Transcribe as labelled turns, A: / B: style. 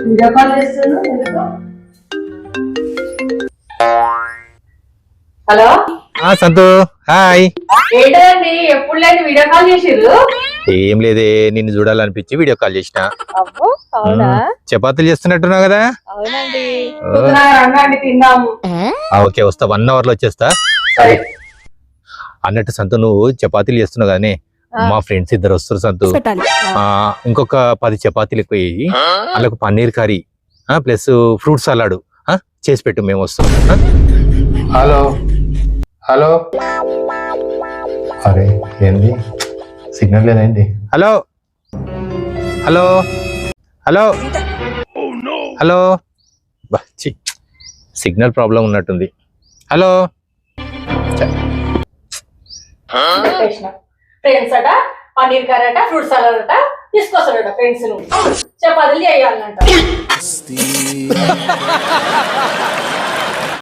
A: Video call చేస్తున్నాను ఎందుకు? Hello
B: సంతు హాయ్.
A: ఏంటండి ఎప్పుడు లేదు వీడియో కాల్ చేసిర్రు?
B: ఏం లేదే, నిన్ను చూడాలనిపించి వీడియో కాల్ చేసిన.
C: అబ్బో అవునా?
B: చపాతీలు చేస్తున్నట్టున్నావు కదా?
C: అవునండి.
A: రండి తిందాము.
B: ఓకే వస్తా, 1 hour లో వచ్చేస్తా.
A: సరే
B: అన్నట్టు సంతు, నువ్వు చపాతీలు చేస్తున్నావు కానీ మా ఫ్రెండ్స్ 2 వస్తారు సంతు. ఇంకొక 10 చపాతీలు ఎక్కువ వేయి, అలాగ paneer curry plus fruit salad చేసి పెట్టు, మేము వస్తాం.
D: హలో హలో, అరే ఏంది సిగ్నల్ లేదేంటి?
B: Hello hello hello hello, signal problem ఉన్నట్టుంది. హలో
A: ఫ్రెండ్స్ అట పన్నీర్ కర్రీ అట ఫ్రూట్ సలాడ్ అట తీసుకొస్తాడట ఫ్రెండ్స్ ను చపాతీలు చేయాలంట.